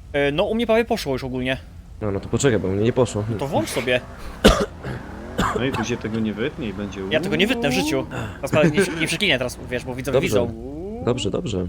No u mnie prawie poszło już ogólnie. No to poczekaj, bo mnie nie poszło. To włącz sobie. No i tu się tego nie wytnie i będzie... Ja tego nie wytnę w życiu. Teraz nie przeklinę teraz, wiesz, bo widzowie Dobrze. widzą. Dobrze, dobrze.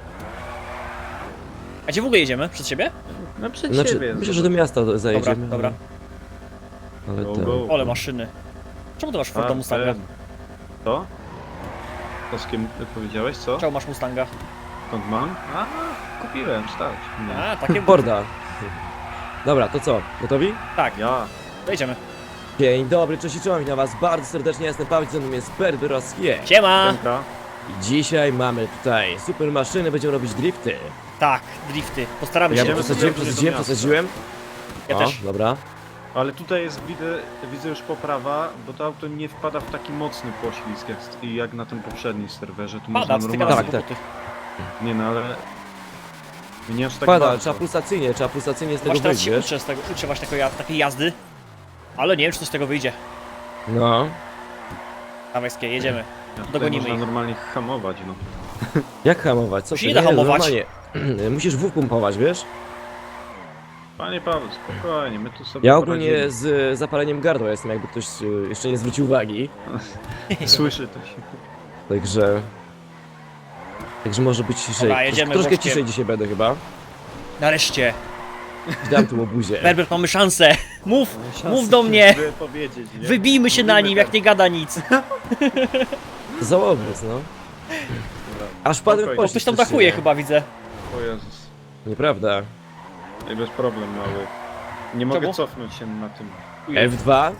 A gdzie w ogóle jedziemy? Przed siebie? No przed Znaczy, siebie. myślę, że do miasta Dobra, zajedziemy. dobra. Ale Go, ten... go. Ole maszyny. Czemu ty masz Forda Mustanga? To? To z kim ty powiedziałeś, co? Czemu masz Mustanga? Skąd mam? A, kupiłem, stać. Nie. A, takie... Forda. Dobra, to co? Gotowi? Tak, Ja. jedziemy. Dzień dobry, cześć i czołem, witam was bardzo serdecznie, jestem Paweł, ze mną jest Berberos Siema! Piątka. I dzisiaj mamy tutaj super maszyny, będziemy robić drifty. Tak, drifty. Postaramy Ja się. Idziemy przesadziłem, sobie przesadziłem, do miasta. przesadziłem. Ja O, też. dobra. Ale tutaj jest, widzę już poprawa, bo to auto nie wpada w taki mocny poślizg jak na tym poprzednim serwerze. Tu Pada, można styka normalnie... nas Tak, kłopoty. Nie no, ale... Nie aż tak Pada, bardzo. trzeba pulsacyjnie z tego Właśnie teraz wyjść, się wiesz? uczę z tego, uczę właśnie takiej jazdy. Ale nie wiem, czy coś z tego wyjdzie. No. Dawaj, skie, jedziemy. Ja tutaj dogonimy można ich. normalnie hamować, no. Jak hamować? Co się ty? nie da hamować. Normalnie. Musisz W pompować, wiesz? Panie Paweł, spokojnie, my tu sobie Ja ogólnie poradzimy. z zapaleniem gardła jestem, jakby ktoś jeszcze nie zwrócił uwagi. Słyszy to się. Także... Także może być ciszej. Dobra, jedziemy Troszkę boczkiem. ciszej dzisiaj będę chyba. Nareszcie. Dam tu obuzie. Berbert, mamy szansę. Mów, mów do mnie. Powiedzieć, nie? Wybijmy się na Mówimy nim, tak. jak nie gada nic. Za obóz, no. Dobra. Aż padłem w Spokojnie. pościg. Ktoś tam coś dachuje nie. chyba, widzę. O Jezus. Nieprawda. Ej, bez problem mały. Nie mogę Czemu? cofnąć się na tym. F2?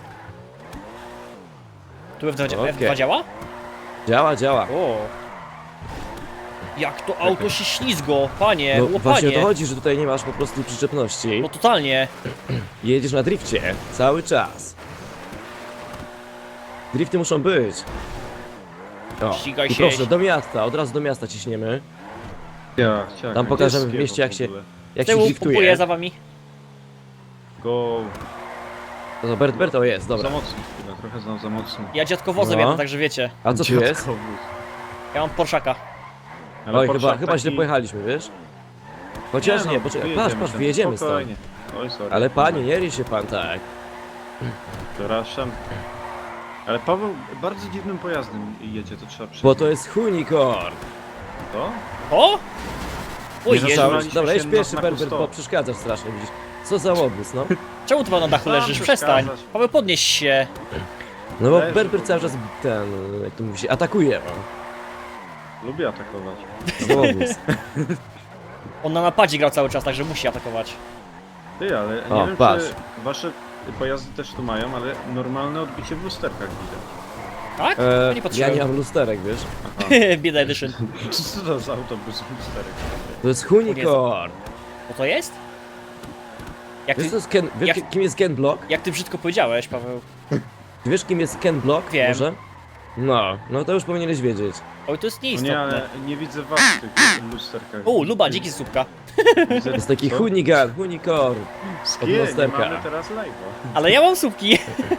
Tu F2, Okej. F2 działa? Działa, działa. O. Jak to auto się ślizgo, panie, No właśnie o to łopanie. chodzi, że tutaj nie masz po prostu przyczepności. No totalnie. Jedziesz na drifcie cały czas. Drifty muszą być. O, Ścigaj i się. proszę, do miasta, od razu do miasta ciśniemy. Ja, Tam pokażemy w mieście, jak się Z tyłu driftuje. pompuję za wami. Go. No to Bert, o jest, Za dobra. mocno chwilę, trochę za mocno. Ja dziadkowozem No. jadę, także wiecie. A co tu jest? Dziadkowóz. Ja mam Porszaka. Ale Oj, Porsche chyba źle taki- pojechaliśmy, wiesz? Chociaż nie, no, poczekaj, wyjedziemy patrz, tam, wyjedziemy stąd. spokojnie. Oj, sorry. Ale panie, nie ryj się pan tak. Przepraszam. Ale Paweł bardzo dziwnym pojazdem jedzie, to trzeba przyznać. Bo to jest unicorn. To? O! Oj, Nie Jezu. zatrzymaliśmy Dobra, jedź się pierwszy, na znaku Berbert, bo stop. przeszkadzasz strasznie, widzisz. Co za łobuz, no. Czemu ty pan na dachu Sam leżysz? Przestań. przeszkadzasz. Paweł, podnieś się. No bo Leży Berbert po cały czas ten, jak to mówi się, atakuje, no. Lubię atakować. Za łobuz. On na napadzie grał cały czas, także musi atakować. Ty, ale nie O, wiem, patrz. czy wasze pojazdy też tu mają, ale normalne odbicie w lusterkach widać. Tak? E, nie ja patrzyłem. nie mam lusterek, wiesz. Bieda edition. Co to za autobus lusterek? To jest unicorn. Co to jest? Jak Wiesz, co ty, jest Ken, wiesz jak- kim jest Ken Block? jak ty brzydko powiedziałeś, Paweł. Wiesz kim jest Ken Block? Wiem. Może? No to już powinieneś wiedzieć. Oj, to jest No nie, nieistotne. ale nie widzę was w tych lusterkach. O, luba, dziki z słupka. Widzę- To jest taki co? unicorn. Z od nie lusterka. mamy teraz live'a. Ale ja mam słupki.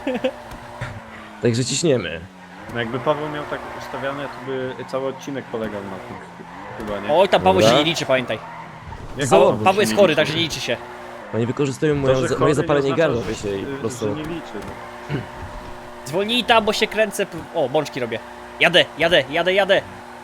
Także ciśniemy. No jakby Paweł miał tak ustawiane, to by cały odcinek polegał na tym. Chyba nie? Oj, tam Paweł się Dobra. nie liczy, pamiętaj. Jak Za- Paweł Paweł się jest nie chory, liczy? także nie liczy się. Oni wykorzystują To, moje że chory moje nie zapalenie oznacza, gardła, że- wiecie, i po prostu... Że nie liczy. No. Zwolnij tam, bo się kręcę. O, bączki robię. Jadę.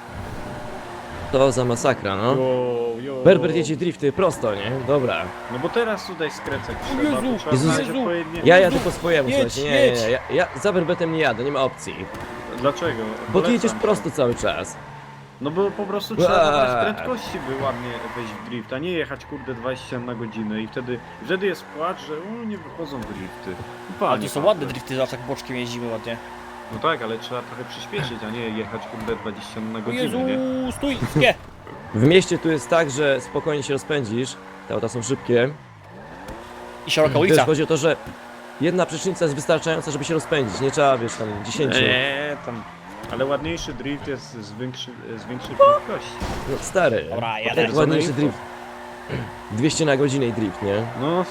To za masakra, no. Jo. Berbert jedzie drifty prosto, nie? Dobra. No bo teraz tutaj skręcać O trzeba, Jezu, to trzeba Jezus. znaleźć odpowiednie... Ja jadę po swojemu, Jedź, słuchajcie, nie, jedź. ja za Berbertem nie jadę, nie ma opcji. Dlaczego? Bo ty Polecam jedziesz ci. prosto cały czas. No bo po prostu trzeba dobrać Eee. prędkości, by ładnie wejść w drift, a nie jechać kurde 20 na godzinę i wtedy jest płacz, że nie wychodzą drifty. No, Ale panie to są Paweł. ładne drifty, zawsze tak boczkiem jeździmy ładnie. No tak, ale trzeba trochę przyspieszyć, a nie jechać kurde 20 na O godzinę, Jezu, nie? stój, nie. W mieście tu jest tak, że spokojnie się rozpędzisz. Te auta są szybkie. I szeroka Wiesz, ulica. chodzi o to, że jedna przecznica jest wystarczająca, żeby się rozpędzić. Nie trzeba, wiesz, tam 10. Tam. Ale ładniejszy drift jest z większej prędkości. No stary. Dobra, jadę. Tak, ładniejszy drift. 200 na godzinę i drift, nie? No,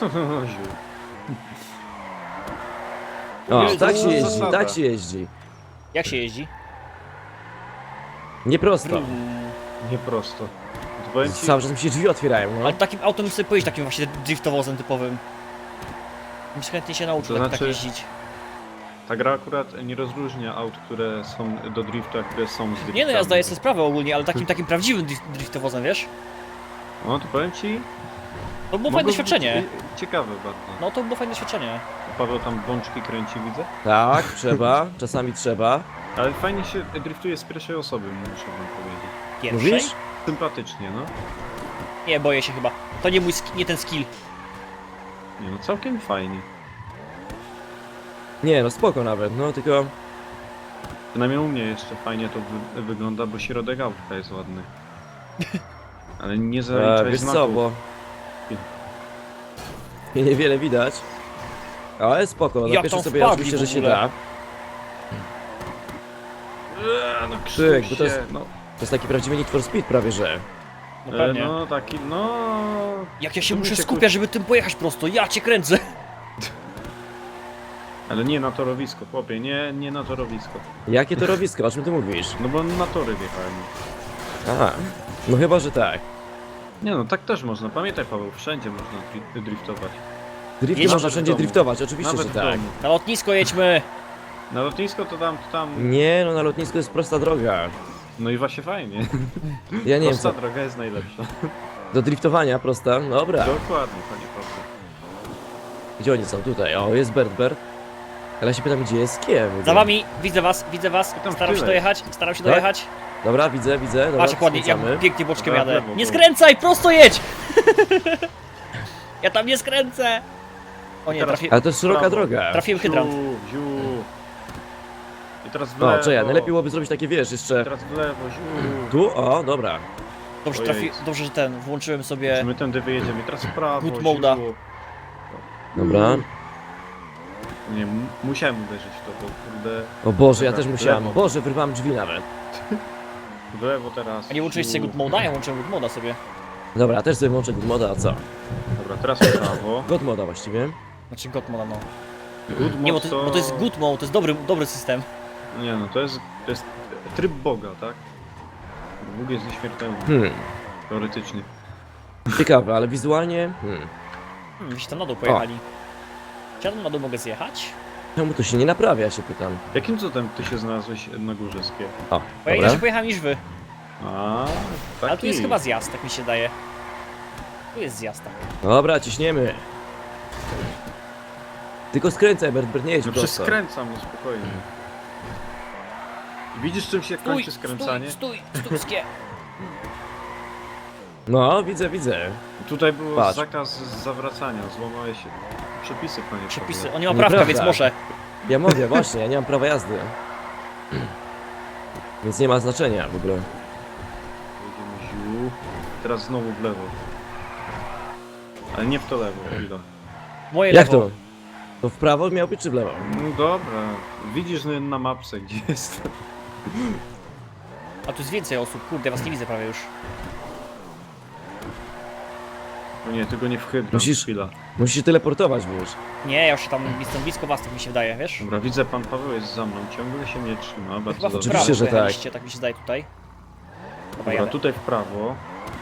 O, Jezu, tak się jeździ, zasada. tak się jeździ. Jak się jeździ? Nie prosto. nie prosto. powiem ci, Cały czas mi się drzwi otwierają, no. Ale takim autem bym sobie pojeździć, takim właśnie driftowozem typowym. Bym się chętnie się nauczył To tak znaczy- jeździć. ta gra akurat nie rozróżnia aut, które są do driftu, a które są z driftami. Nie no, ja zdaję sobie sprawę ogólnie, ale takim prawdziwym driftowozem, wiesz? No to powiem ci, To było mogło fajne być doświadczenie. ciekawe bardzo. No to było fajne doświadczenie. Paweł tam bączki kręci, widzę. Tak, trzeba, czasami trzeba. Ale fajnie się driftuje z pierwszej osoby, muszę wam powiedzieć. Pierwszej? Mówisz? Sympatycznie, no. Nie, boję się chyba. To nie mój nie ten skill. Nie no, całkiem fajnie. Nie, no spoko nawet, no tylko... Przynajmniej u mnie jeszcze fajnie to wygląda, bo środek autka jest ładny. Ale nie zaliczaj wiesz co, znaków. bo... Niewiele widać. Ale spoko, na Jak pierwsze tam sobie wpadli oczywiście, w że się ogóle? da. No Tyk, krzyż bo to jest- się, no. To jest taki prawdziwy Need for Speed prawie, że. No pewnie. No taki, no... Jak ja się tu muszę mi się skupiać, żeby tym pojechać prosto, ja cię kręcę. Ale nie na torowisko, chłopie, nie na torowisko. Jakie to rowisko, o czym ty mówisz? No bo na tory wjechałem. Aha, no chyba, że tak. Nie no, tak też można. Pamiętaj Paweł, wszędzie można driftować. Drifty Jedź można nawet wszędzie w domu. driftować, oczywiście, Nawet że w tak. domu. Na lotnisko jedźmy. Na lotnisko to tam... Nie, no na lotnisku jest prosta droga. No i właśnie fajnie. Ja nie wiem Prosta co, droga jest najlepsza. do driftowania prosta, dobra. Dokładnie, panie Paweł. Gdzie oni są? Tutaj, o jest Bert. Ale ja się pytam, gdzie jest Kiem? Za wami, widzę was. Tam Staram się tyle. dojechać, staram się Tak? dojechać. Dobra, widzę, dobra, Patrz jak ładnie, skręcamy. jak pięknie boczkiem Dobra, w jadę. lewo, Nie bo- skręcaj, prosto jedź! Ja tam nie skręcę! O nie, Teraz- Ale to jest szeroka Prawo. droga. trafiłem hydrant. Ziu. I teraz w lewo. No, czekaj, najlepiej byłoby zrobić takie, wiesz, jeszcze... Teraz w lewo, ziu. Tu, o, dobra. Dobrze, Ojej. dobrze, że włączyłem Czy sobie... my tędy wyjedziemy? Teraz w prawo, Good moda. ziu. Dobra. Nie, musiałem uderzyć w to, bo kurde... O Boże, ja Dobra, też w musiałem. lewo. Boże, wyrwałem drzwi nawet. W lewo teraz. A nie włączyłeś sobie ziu. good moda? Ja włączyłem good moda sobie. Dobra, ja też sobie włączę good moda, a co? Dobra, teraz w prawo. God moda właściwie. Znaczy god moda, no. Good Nie, mod bo to jest good mode, to jest dobry system. Nie no, to jest tryb Boga, tak? Bóg jest nieśmiertelny, teoretycznie. Ciekawe, ale wizualnie... Wyście tam na dół pojechali. Czy ja tam na dół mogę zjechać? Czemu to się nie naprawia, ja się pytam. Jakim cudem ty się znalazłeś na górze skie? O, Bo ja dobra. inaczej pojechałem niż wy. A, taki. Ale tu jest chyba zjazd, tak mi się daje. Tu jest zjazd, tak. Dobra, ciśniemy. Tylko skręcaj, Bert, nie jedź No prosto. przeskręcam, no spokojnie. Widzisz czym się Stój, kończy skręcanie? stój, skie. No, widzę. Tutaj był Patrz. zakaz zawracania, złamałeś przepisy, panie Przepisy, Pawle. on nie ma prawka, Nieprawda. więc może. Ja mogę, właśnie, ja nie mam prawa jazdy. Więc nie ma znaczenia w ogóle. Jedziemy ziu. Teraz znowu w lewo. Ale nie w to lewo, chwila. Moje Jak lewo. to? To w prawo miał być czy w lewo? No dobra, widzisz na mapce gdzie jest. A tu jest więcej osób, kurde, was nie widzę prawie już. No nie, tylko nie w hydrant, Musisz- chwila. Musisz się teleportować, wiesz. Nie, ja już tam jestem blisko was, tak mi się wydaje, wiesz? Dobra, widzę pan Paweł jest za mną, ciągle się nie trzyma, bardzo Chyba w dobrze. prawo Oczywiście, że tak. pojechaliście, tak mi się zdaje tutaj. Dobra, Dobra, jadę. tutaj w prawo.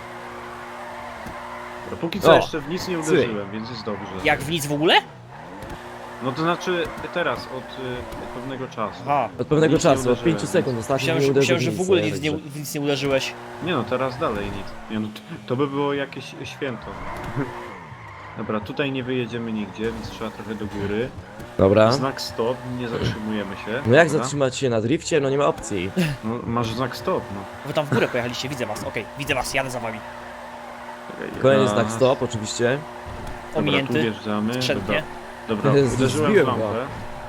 Dobra, póki co O, jeszcze w nic nie uderzyłem, więc jest dobrze. Jak w nic w ogóle? No to znaczy teraz, od pewnego czasu. Aha. Od pewnego Nic nie czasu, od uderzyłem. 5 sekund ostatnio Myślałem, nie że, uderzył myślałem, że w nic, ogóle nie, nic nie, także. w nic nie uderzyłeś. Nie no, teraz dalej nic. Nie no, to by było jakieś święto. Dobra, tutaj nie wyjedziemy nigdzie, więc trzeba trochę do góry. Dobra. Znak stop, nie zatrzymujemy się. No jak dobra? zatrzymać się na drifcie? No nie ma opcji. No, masz znak stop, no. Wy tam w górę pojechaliście, widzę was, okej, widzę was, jadę za wami. Czekaj, Kolejny raz. znak stop, oczywiście. Dobra, tu Ominięty, wjeżdżamy. skrzętnie. Dobra, uderzyłem w Zbiłem go. lampę.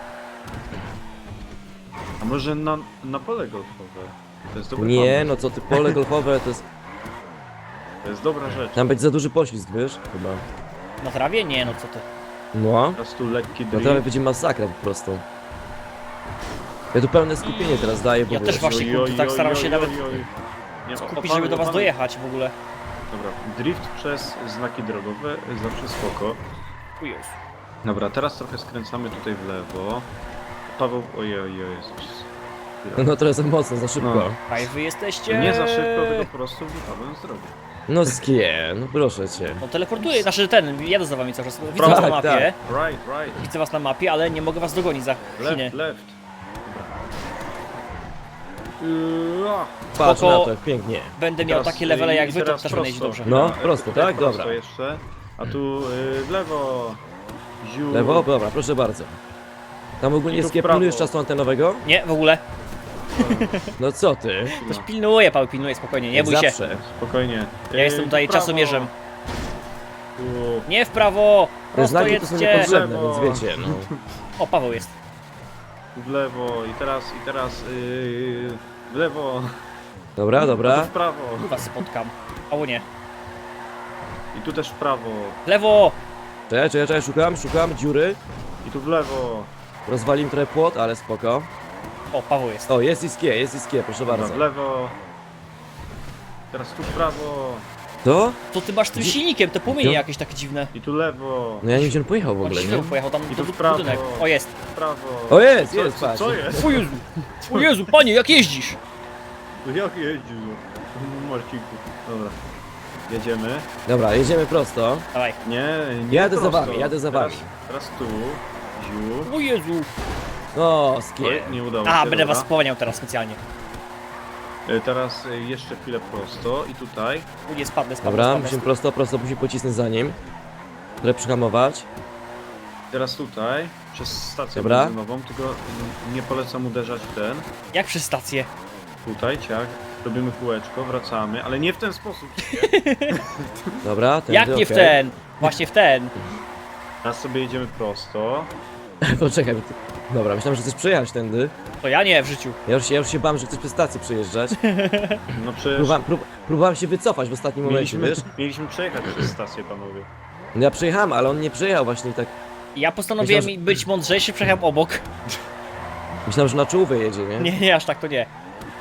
A może na pole golfowe? To jest dobry Nie, pomysł. no co ty, pole golfowe to jest... To jest dobra rzecz. Tam będzie za duży poślizg, wiesz? Chyba. Na trawie? Nie, no co ty. No. Teraz tu lekki No drift. to będzie masakra po prostu. Ja tu pełne skupienie teraz daję, bo Ja wiesz, też właśnie, Oj, kurde, oj, tak oj, staram oj, się oj, nawet oj. Nie, skupić, żeby do was dojechać w ogóle. Dobra, drift przez znaki drogowe, zawsze spoko. O Jezu. Dobra, teraz trochę skręcamy tutaj w lewo. Paweł, ojej, Jezus. No trochę za mocno, za szybko. No. Aj, wy jesteście... Nie za szybko, tylko po prostu wypadłem z drogi. No skie, no proszę cię. No teleportuję, znaczy jadę za wami cały czas. Widzę Tak, was na mapie, Right. widzę was na mapie, ale nie mogę was dogonić za Chiny. Left. Patrz Spoko. na to, jak pięknie. Będę miał Teraz, takie levele jak i wy, to teraz też będę iść dobrze. No, Tutaj prosto, tak? prosto Dobra. jeszcze. A tu w lewo. Ziu. Lewo? Dobra, proszę bardzo. Tam ogólnie I tu w skie prawo. pilnujesz czasu antenowego? Nie, w ogóle. No co ty? Ktoś pilnuje, Paweł pilnuje, spokojnie, nie bój się. Zawsze. Spokojnie. Ja jestem tutaj w prawo. czasomierzem. Tu. Nie w prawo! Te Prosto znaki to są jedźcie! niepotrzebne, Lewo. więc wiecie, no. O, Paweł jest. W lewo i teraz w lewo. Dobra, A tu dobra. w prawo. Tu was spotkam. Albo nie. I tu też w prawo. W lewo! Czekaj, szukam dziury. I tu w lewo. Rozwalim trochę płot, ale spoko. O, Paweł jest. O, jest i skie, proszę Dobra, bardzo. w lewo. Teraz tu w prawo. To? To ty masz tym silnikiem, te płomienie jakieś takie dziwne. I tu lewo. No ja nie wiem, gdzie on pojechał w On ogóle, nie? świeżo pojechał tam I do tu w prawo. budynek. O, jest. W prawo. O, jest, Co, patrz. co jest? O Jezu! O Jezu, panie, jak jeździsz? Jak jeździł? Marcinku. Dobra. Jedziemy. Dobra, jedziemy prosto. Dawaj. Nie Jadę za prosto. wami, jadę za Teraz- wami. Teraz tu. Ziu. O Jezu! O, Oj, skie. nie udało A, się. będę dobra. was spowalniał teraz specjalnie. Teraz jeszcze chwilę prosto i tutaj. U, nie spadnę. Dobra, musimy prosto, musimy pocisnąć za nim. Trochę przyhamować. Teraz tutaj. Przez stację Dobra. benzynową, tylko nie polecam uderzać w ten. Jak przez stację? Tutaj, ciak. Robimy kółeczko, wracamy, ale nie w ten sposób. Dobra, tędy, Jak nie w okej. ten? Właśnie w ten. Teraz sobie jedziemy prosto. Poczekaj, bo ty... Dobra, myślałem, że chcesz przejechać tędy. To ja nie, w życiu. Ja już się bałem, że chcesz przez stację przejeżdżać. No przecież Próbowałem się wycofać w ostatnim momencie, wiesz? mieliśmy przejechać przez stację, panowie. No ja przejechałem, ale on nie przejechał właśnie tak. Ja postanowiłem Myślałem, być mądrzejszy, przejechałem obok. Myślałem, że na czołówę jedzie, nie? Nie, aż tak to nie.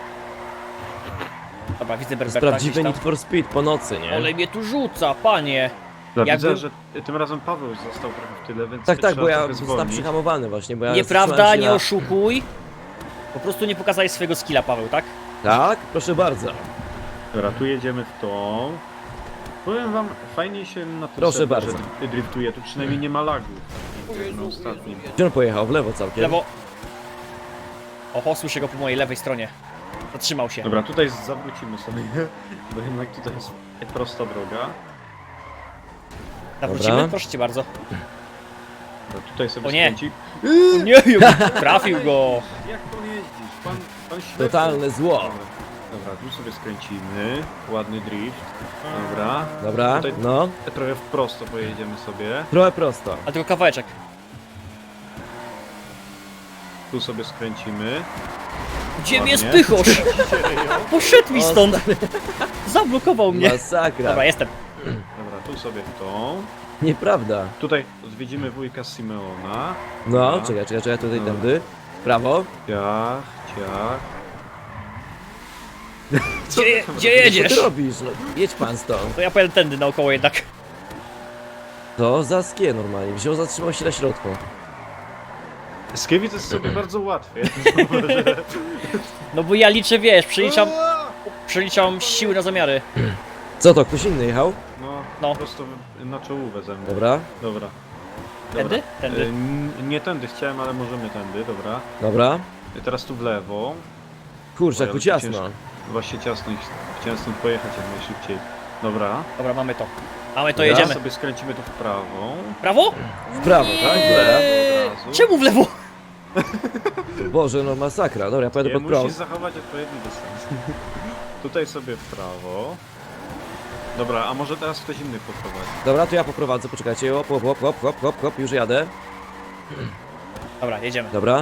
Dobra, widzę To jest Berberta prawdziwy gdzieś tam. Need for Speed po nocy, nie? Ale mnie tu rzuca, panie. Ja Jakby- widzę, że tym razem Paweł został trochę w tyle, więc Tak, trzeba bo ja trochę zostałem zwolnić. przyhamowany właśnie, bo ja Nieprawda, zatrzymałem się nie na- oszukuj. Po prostu nie pokazałeś swojego skilla, Paweł, tak? Tak? Proszę bardzo. Dobra, tu jedziemy w tą. Powiem wam, fajnie się na tym Proszę serwerze bardzo. driftuje, tu przynajmniej nie ma lagów. Na ostatnim. Gdzie on pojechał? W lewo całkiem. Lewo. Oho, słyszę go po mojej lewej stronie. Zatrzymał się. Dobra, tutaj zawrócimy sobie, bo jednak tutaj jest prosta droga. Zawrócimy? Dobra. Proszę cię bardzo. Dobra, tutaj sobie O nie. skręci. O nie, trafił go. Jak pan jeździsz? Pan ślepy. Totalne zło. Dobra, tu sobie skręcimy. Ładny drift. Dobra. Dobra, Tutaj- no. Trochę w prosto pojedziemy sobie. Trochę prosto. A tylko kawałeczek. Tu sobie skręcimy. Gdzie mnie Ładnie. spychosz? Poszedł mi O, stąd. Zablokował mnie. Masakra. Dobra, jestem. Dobra, tu sobie w tą. Nieprawda. Tutaj odwiedzimy wujka Simeona. No, Dobra. czekaj, tutaj Dobra. tędy. Prawo. Ciach, ciach. Gdzie Co ty jedziesz? robisz? No, jedź pan stąd. To ja pojadę tędy naokoło jednak. To za skie normalnie. Wziął, zatrzymał się na środku. Skiewic jest sobie bardzo łatwie. No bo ja liczę, wiesz, przeliczam siły na zamiary. Co to, ktoś inny jechał? No, No. prosto na czołówę ze mną. Dobra, Dobra. Tędy? Tędy. Nie tędy chciałem, ale możemy tędy, dobra. dobra. Teraz tu w lewo. Kurczę, Oj, jak tu ale ciasno. ciężko. Właśnie ciasno i chciałem stąd pojechać jak najszybciej. Dobra. Dobra, mamy to. Mamy to, Dobra. jedziemy. sobie skręcimy tu w prawo. Prawo? W prawo, tak? Dobra. Od razu. Czemu w lewo? Boże, no masakra. Dobra, ja pojadę Nie, pod musisz prąd. zachować odpowiedni dystans. Tutaj sobie w prawo. Dobra, a może teraz ktoś inny poprowadzi? Dobra, to ja poprowadzę, poczekajcie. Hop, już jadę. Dobra, jedziemy. Dobra.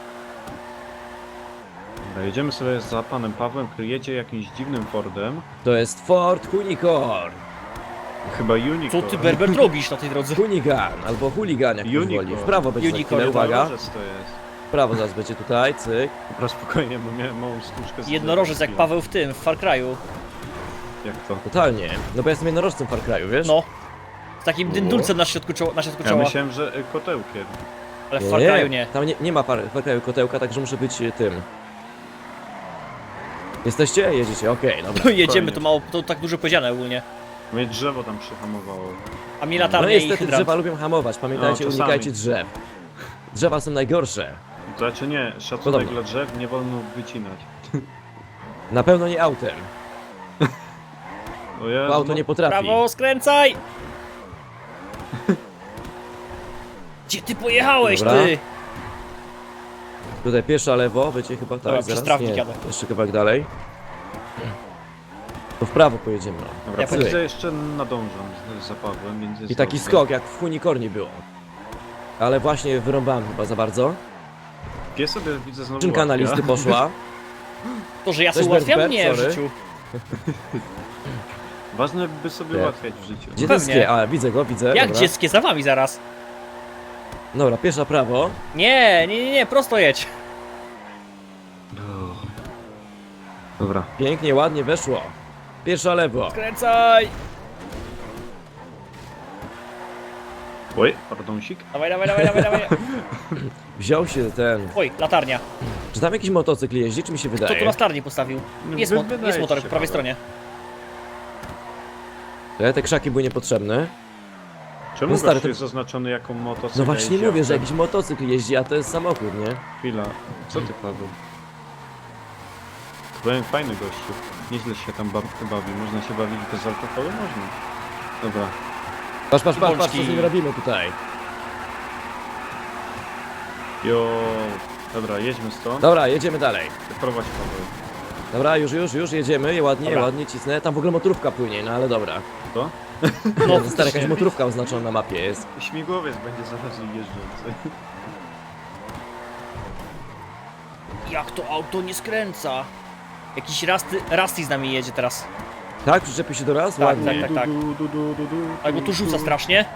Dobra, jedziemy sobie za panem Pawłem, który jedzie jakimś dziwnym Fordem. To jest Ford Unicorn. Chyba Unicorn. Co ty, Berbert, robisz na tej drodze? Hunigan, albo Hooligan, jak ktoś Unicorn. woli. W prawo będzie za Unicorn, chwilę, uwaga. Jednorożec to jest. W prawo zaraz będzie tutaj, cyk. Dobra, spokojnie, bo miałem małą stłuczkę z Jednorożec jak Paweł w tym, w Far Cry'u. Jak to? Totalnie. No bo ja jestem jednorożcem w Far Cry'u, wiesz? No. Z takim dyndulcem na środku czoła. Ja myślałem, że kotełkiem. Ale w Far Cry'u nie. Tam nie ma Far Cry'u kotełka, także muszę być tym. Jesteście? Jedziecie, okej, dobra. Jedziemy, to mało, to tak dużo powiedziane ogólnie. Mnie drzewo tam przyhamowało. A mi No latarnia i niestety hydrant. drzewa lubią hamować, pamiętajcie, No, czasami. unikajcie drzew. Drzewa są najgorsze. To znaczy nie, szacunek Podobno. dla drzew nie wolno wycinać. Na pewno nie autem, O Jezu, bo auto no, nie potrafi. Prawo, skręcaj! Gdzie ty pojechałeś, Dobra. ty? Tutaj pieszo, lewo, będzie chyba tak, Dobra, przez zaraz, trawnik nie, jadę. jeszcze kawałek dalej. To w prawo pojedziemy. Dobra, Ja widzę, jeszcze nadążam z zapawem, więc jest I taki dobrze. skok, jak w unikorni było. Ale właśnie wyrąbałem chyba za bardzo. Pies sobie widzę znowu Czynka na ułatwia. listy poszła. To, że ja Cześć, sobie ułatwiam? Bert, Nie, w sorry. życiu. Ważne by sobie Nie. ułatwiać w życiu. Gdzie Pewnie. ten skie? A, widzę go, widzę. Jak dobra. dzieckie za wami zaraz? Dobra, piesza prawo. Nie, prosto jedź. Dobra. Pięknie, ładnie weszło. Piesza lewo. Skręcaj! Oj, pardonsik. Dawaj, dawaj. Wziął się ten... Oj, latarnia. Czy tam jakiś motocykl jeździ, czy mi się Kto tu wydaje? latarnię postawił? Jest, Wydaje jest ci motor się, po prawej Paweł. stronie. Te krzaki były niepotrzebne. Czemu No stary, gościu to- jest zaznaczony jako motocykl? No właśnie jeździ mówię, że autem? jakiś motocykl jeździ, a to jest samochód, nie? Chwila, co ty Paweł? Byłem fajny gościu. Nieźle się tam bawi. Można się bawić bez alkoholu? Można. Dobra. Patrz, co Bączki. z nim robimy tutaj. Jo. Dobra, jedźmy stąd. Dobra, jedziemy dalej. Prowadź Paweł. Dobra, już, jedziemy, ładnie, Dobra. ładnie cisnę. Tam w ogóle motorówka płynie, no ale dobra. To? No, stara jakaś motorówka oznaczona na mapie jest. Śmigłowiec będzie zaraz jeżdżący. Jak to auto nie skręca? Jakiś Rusty z nami jedzie teraz. Tak? Przyczepił się do raz? Tak, Ładnie. tak. Tak, bo tu rzuca strasznie.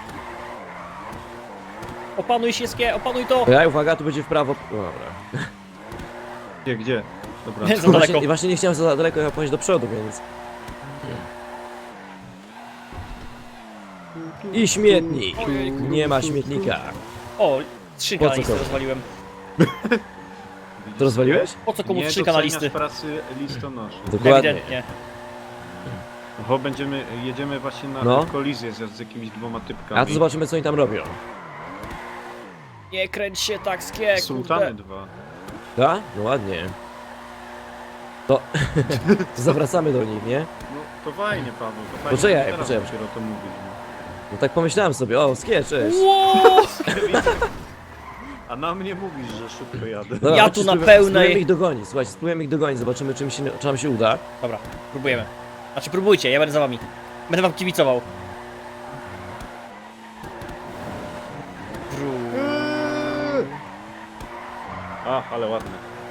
Opanuj się, opanuj to! Ja, uwaga, tu będzie w prawo. O, dobra. Gdzie? Dobra. Za daleko. Właśnie nie chciałem za daleko pojechać do przodu, więc... I śmietnik. Ojejku. Nie ma śmietnika. O, skrzynka Po na co listy komu? rozwaliłem. To rozwaliłeś? Po co komu Nie skrzynka na doceniasz listy? pracy listonoszy. Dokładnie. Ewidentnie. Bo jedziemy właśnie na No. kolizję z jakimiś dwoma typkami. A to zobaczymy, co oni tam robią. Nie kręć się tak, skie, Sultany kurde. 2. Tak? No ładnie. To... to zawracamy do nich, nie? No to fajnie Paweł, to fajnie. Poczekaj, Teraz poczekaj. dopiero to mówisz. No tak pomyślałem sobie, o, skie, cześć. Ło! A na mnie mówisz, że szybko jadę. Dobra, Ja chodźcie, tu na spróbujemy- pełnej- Spróbujemy ich dogonić, słuchajcie, spróbujemy ich dogonić, zobaczymy, czy nam się uda. Dobra, próbujemy. Znaczy próbujcie, ja będę za wami. Będę wam kibicował. Ach, ale ładne.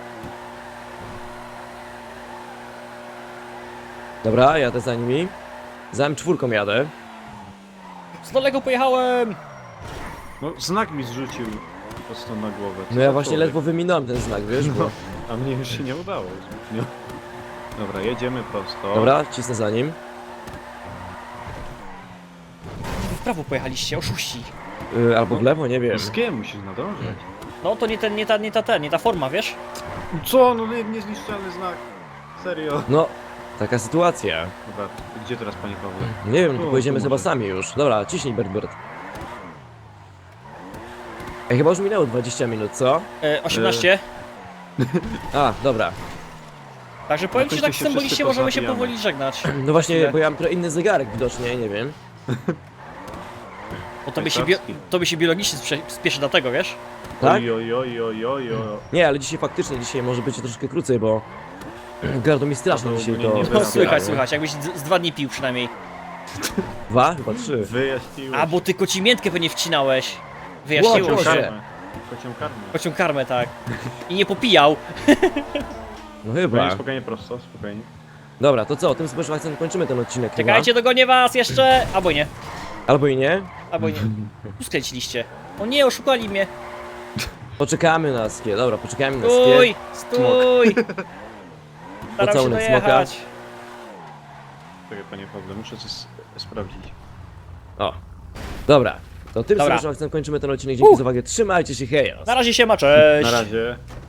Dobra, jadę za nimi. Za M4 jadę. Z daleko pojechałem! No znak mi zrzucił prosto na głowę. Co No ja za właśnie człowiek. ledwo wyminąłem ten znak, wiesz, bo... A mnie już się nie udało zbytnio. Dobra, jedziemy prosto. Dobra, cisnę za nim. Wy w prawo pojechaliście, oszuści. Albo w lewo, nie wiem. No z kim musisz nadążać? No to nie ta forma, wiesz? Co? No niezniszczalny znak. Serio. No, taka sytuacja. Dobra, gdzie teraz panie Pawle? Nie wiem, Tu, tu pojedziemy tu chyba może. sami już. Dobra, ciśnij, Bert. Ej, chyba już minęło 20 minut, co? 18. A, dobra. Także powiem ci, Jakoś tak tu się symbolicznie wszyscy możemy się pozabijamy. powoli żegnać. No właśnie, Tyle. bo ja mam trochę inny zegarek widocznie, nie wiem. Bo Szwajcarski. tobie się biologicznie spieszy dlatego, wiesz? Tak? Oj, oj, oj, oj, oj, oj. Nie, ale dzisiaj faktycznie, dzisiaj może być troszkę krócej, bo... Gardło mi strasznie To dzisiaj ogólnie to... nie No, wyrabiało. słychać, jakbyś z 2 dni pił przynajmniej. 2? Chyba 3. Wyjaśniłeś. A, bo ty kocią miętkę pewnie wcinałeś. Wyjaśniło Ło, się. Boże. karmę. Kocią karmę. Kocią karmę, tak. I nie popijał. No Spokojnie, chyba. spokojnie, prosto, spokojnie. Dobra, to co? Tym sposobem akcentem kończymy ten odcinek chyba. Czekajcie, dogonię was jeszcze! Albo nie, Albo i nie. albo nie. Tu skręciliście. O nie, oszukali mnie. Poczekamy na skie. Dobra, poczekamy na skie. Stój, stój! Staram się Pocałunek smoka. dojechać. Czekaj, panie Pawle, muszę coś sprawdzić. O. Dobra. To tym Dobra. sposobem akcentem kończymy ten odcinek. Dzięki za uwagę. Trzymajcie się, hejos. Na razie się ma, cześć! Na razie.